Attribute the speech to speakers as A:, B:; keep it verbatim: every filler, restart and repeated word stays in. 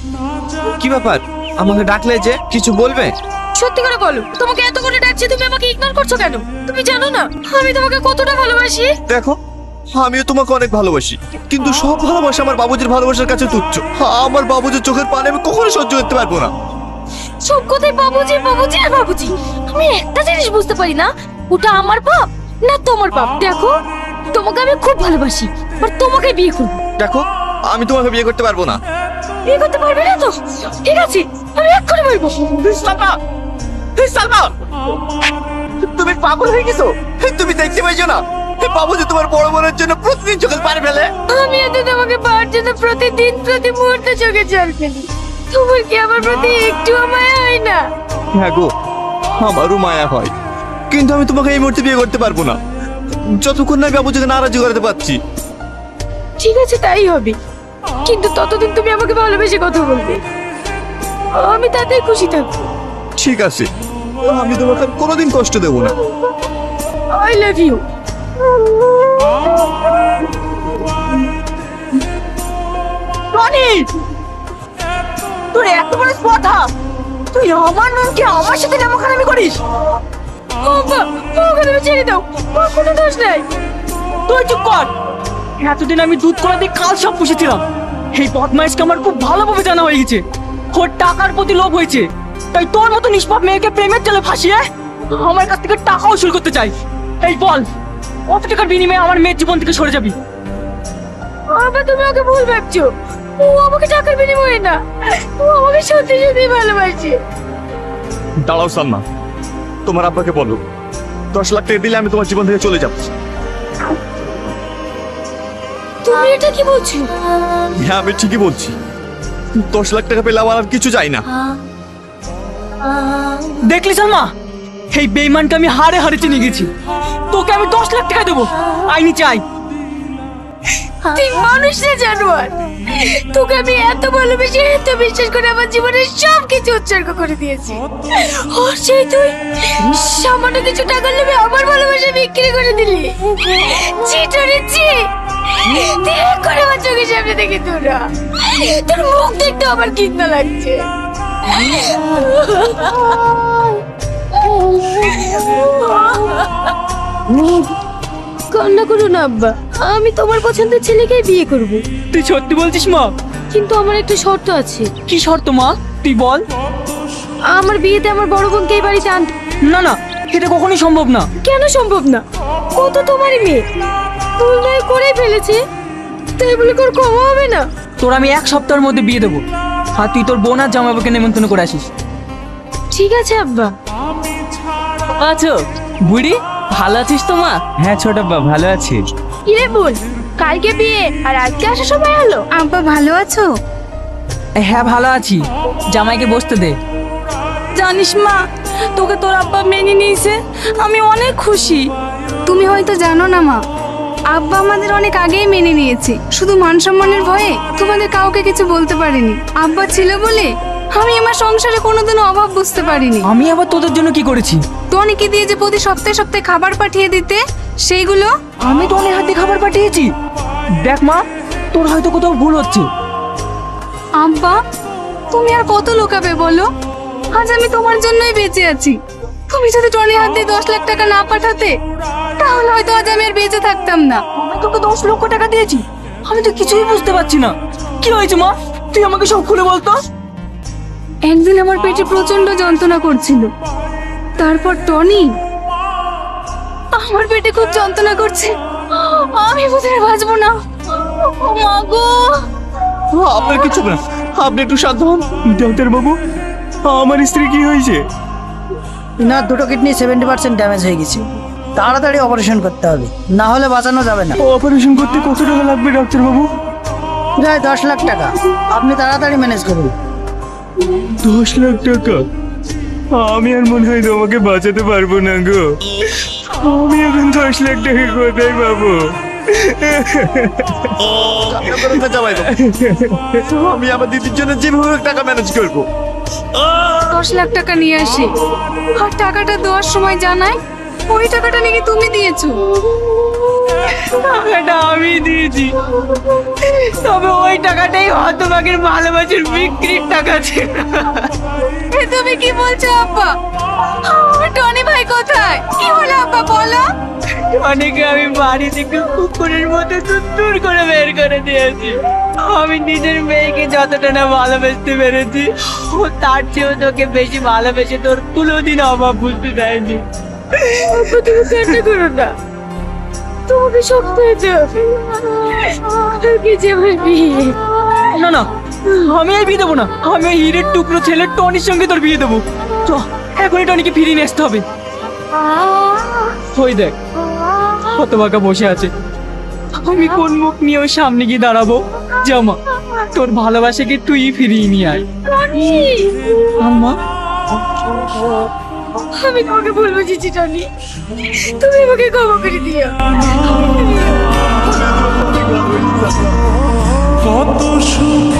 A: কি ব্যাপার, আমাকে ডাকলে যে কিছু বলবে?
B: সত্যি করে বলো, তোমাকে এত করে ডাকছি, তুমি আমাকে ইগনোর করছো কেন? তুমি জানো না আমি তোমাকে কতটা ভালোবাসি?
A: দেখো, আমিও তোমাকে অনেক ভালোবাসি, কিন্তু সব ভালোবাসা আমার বাবুজির ভালোবাসার কাছে তুচ্ছ। আমার বাবুজির চোখের পানি আমি কখনো সহ্য করতে পারবো না।
B: সব কথাই বাবুজি বাবুজি আর বাবুজি। আমি একটা জিনিস বুঝতে পারি না, ওটা আমার বাপ না তোমার বাপ। দেখো, তোমাকে আমি খুব ভালোবাসি, আর তোমাকে বিয়ে করব।
A: দেখো, আমি তোমাকে বিয়ে করতে পারবো না।
B: বিয়ে করতে পারবে না তো? ঠিক আছে, আমি এক্ষুনি বলবো।
A: সালমা, সালমা, তুমি পাগল হয়ে গেছো? তুমি দেখতে পাইছো না বাবুজি তোমার বড় বোনের জন্য প্রতিদিন চোখের পানি ফেলে?
B: আমি এত তোমাকে পাওয়ার জন্য প্রতিদিন প্রতি মুহূর্তে চোখে জল ফেলি। তোমার কি আমার প্রতি একটুও মায়া হয় না?
A: হ্যাঁ গো, আমারও মায়া হয়, কিন্তু আমি তোমাকে এই মুহূর্তে বিয়ে করতে পারবো না, যতক্ষণ না বাবুজিকে নারাজি করাতে পারছি।
B: ঠিক আছে, তাই হবে, কিন্তু ততদিন তুমি আমাকে ভালোবেসে কথা বলবে, আমি তাতেই খুশি থাকবো।
A: ঠিক আছে, আমি তোমাকে আর কোনোদিন কষ্ট দেবো না।
B: I love you.
C: টনি, তোর এত বড় কথা, তুই আমার নুনকে আমার সাথে নামখানামি করিস?
B: বাবা, ওকে তুমি ছেড়ে দাও, ওর কোনো দোষ নাই।
C: তুই চুপ কর। এতদিন আমি দুধ কলা দিয়ে কাল সব পুষেছিলাম। এই বদমাইশকে আমার খুব ভালোভাবে জানা হয়ে গেছে। ওর টাকার প্রতি লোভ হয়েছে, তাই তোর মতো নিষ্পাপ মেয়েকে প্রেমের জালে ফাঁসিয়ে আমার কাছ থেকে টাকা উসুল করতে চাই। এই বল, কত টাকার বিনিময়ে আমার মেয়ের জীবন থেকে সরে যাবি?
B: বাবা, তুমি ওকে ভুল ভাবছো, ও আমাকে টাকার বিনিময়ে না, ও আমাকে সত্যি সত্যি ভালোবাসে।
A: দাঁড়াও সালমা, তোমার আব্বাকে বলো দশ লাখ টাকা দিলে আমি তোমার জীবন থেকে চলে যাবো।
B: তুমি এটা কি বলছো?
A: হ্যাঁ, আমি ঠিকই বলছি, দশ লাখ টাকা পেলে আমার আর কিছু চাই না।
C: দেখলি সালমা, এই বেইমানকে আমি হারে হারে চিনে গেছি। তোকে আমি দশ লাখ টাকা দেবো, আইনি চাই।
B: তুই মানুষ না জানোয়ার, তোকে আমি এত ভালোবেসে এত বিশ্বাস করে আমার জীবনের সব কিছু উৎসর্গ করে দিয়েছি, আর সেই তুই সামান্য কিছু টাকার লোভে আমার ভালোবাসা বিক্রি করে দিলি। চিটারে চি, দেখ করে আমার চোখের সামনে দেখে তোরা, তোর মুখ দেখতে আমার ঘৃণা লাগছে। কান্না করো না আব্বা, আমি তোমার পছন্দের ছেলেকেই বিয়ে করব।
C: তুই সত্যি বলছিস মা?
B: কিন্তু আমার একটা শর্ত আছে।
C: কি শর্ত মা, তুই বল।
B: আমার বিয়েতে আমার বড় বোনকে এই বাড়িতে আনতে।
C: না না, এটা কখনোই সম্ভব না।
B: কেন সম্ভব না? ও তো তোমারই মেয়ে, ভুল নয় করেই ফেলেছে, তাই বলে তোর ক্ষমা হবে না?
C: তোর আমি এক সপ্তাহের মধ্যে বিয়ে দেবো, আর তুই তোর বোন আর জামাইবাবুকে নেমন্তন্ন করে আসিস।
B: ঠিক আছে আব্বা।
C: আচ্ছা বুড়ি, ভালো আছিস তো মা?
D: হ্যাঁ ছোট আব্বা, ভালো আছি।
B: কিরে বোন, কালকে বিয়ে আর আজকে আসার সময় হলো?
E: আব্বা ভালো আছো?
C: হ্যাঁ ভালো আছি, জামাইকে বসতে দে।
E: জানিস মা, তোকে তোর আব্বা মেনে নিয়েছে, আমি অনেক খুশি। তুমি হয়তো জানো না মা, আব্বা আমাদের অনেক আগেই মেনে নিয়েছে, শুধু মান সম্মানের ভয়ে তোমাদের কাউকে কিছু বলতে পারিনি। আব্বা ছিল বলে আমি আমার সংসারে কোনোদিনও অভাব বুঝতে পারিনি।
C: আমি আবার তোদের জন্য কি করেছি?
E: টনিকে দিয়ে যে প্রতি সপ্তাহে সপ্তাহে খাবার পাঠিয়ে দিতে, সেইগুলো
C: আমি টনির হাতে খাবার পাঠিয়েছি। দেখ মা, তোর হয়তো কোথাও ভুল হচ্ছে।
E: আব্বা, তুমি আর কত লোকাবে বলো? আজ আমি তোমার জন্যই বেঁচে আছি। তুমি যদি টনির হাত দিয়ে দশ লাখ টাকা না পাঠাতে, তাহলে হয়তো আজ আমি আর বেঁচে থাকতাম না।
C: আমি তোকে দশ লক্ষ টাকা দিয়েছি, আমি তো কিছুই বুঝতে পারছি না। কি হয়েছে মা, তুই আমাকে সব খুলে বলতো।
E: একদিন আমার পেটে প্রচন্ড যন্ত্রণা করছিল, তারপর টনি আমার পেটে খুব যন্ত্রণা করছে, আমি বোধহয় বাঁচবো না। ও মা গো!
A: আপনার কিছু না, আপনি একটু শান্ত হন।
D: ডাক্তার বাবু, আমার স্ত্রী কি হয়েছে?
F: ইনার দুটো কিডনি সেভেন্টি পার্সেন্ট ড্যামেজ হয়ে গেছে, তাড়াতাড়ি অপারেশন করতে হবে, না হলে বাঁচানো যাবে না।
D: অপারেশন করতে কত টাকা লাগবে ডাক্তার বাবু?
F: প্রায় দশ লাখ টাকা, আপনি তাড়াতাড়ি ম্যানেজ করুন।
D: দশ লাখ টাকা? আমি আর মনে হয় তোমাকে বাঁচাতে পারবো না গো। আমি এখন দশ লাখ টাকা কোথায় পাবো?
A: আমি আমার দিদির জন্য যেভাবে টাকা ম্যানেজ করবো।
E: দশ লাখ টাকা নিয়ে আসি, আর টাকাটা দেওয়ার সময় জানাই ওই টাকাটা নাকি তুমি দিয়েছো।
C: টাকাটা আমি দিয়েছি, তবে ওই টাকাটাই হতভাগের ভালোবাসার বিক্রির টাকা ছিল।
B: এ তুমি কি বলছো আব্বা? আমার টনি ভাই কোথায়? কি হলো আব্বা বলো?
C: অনেকে আমি বাড়ি থেকে কুকুরের মতো দূর করে বের করে দিয়েছি। আমি নিজের মেয়েকে যতটা না ভালোবাসতে পেরেছি, ও তার চেয়েও তোকে বেশি ভালোবেসে তোর কোনোদিন অভাব বুঝতে দেয়নি।
B: আব্বা তুমি কান্না করো না, তোমাকে শক্ত হতে হবে। আগে যে আমার বিয়ে।
C: না না, আমি এই বিয়ে দেবো না। আমি ওই হীরের টুকরো ছেলের টনির সঙ্গে তোর বিয়ে দেবো। চ, এখনই টনিকে ফিরিয়ে নিয়ে আসতে হবে। ওই দেখ, হতভাগা বসে আছে। আমি কোন মুখ নিয়ে ওর সামনে গিয়ে দাঁড়াবো? জামা, তোর ভালোবাসাকে তুই ফিরিয়ে নিয়ে আয়।
B: টনি,
C: আম্মা,
B: আমি তোমাকে ভুল বুঝেছি টনি, তুমি আমাকে ক্ষমা করে দিও।
G: কত সুখ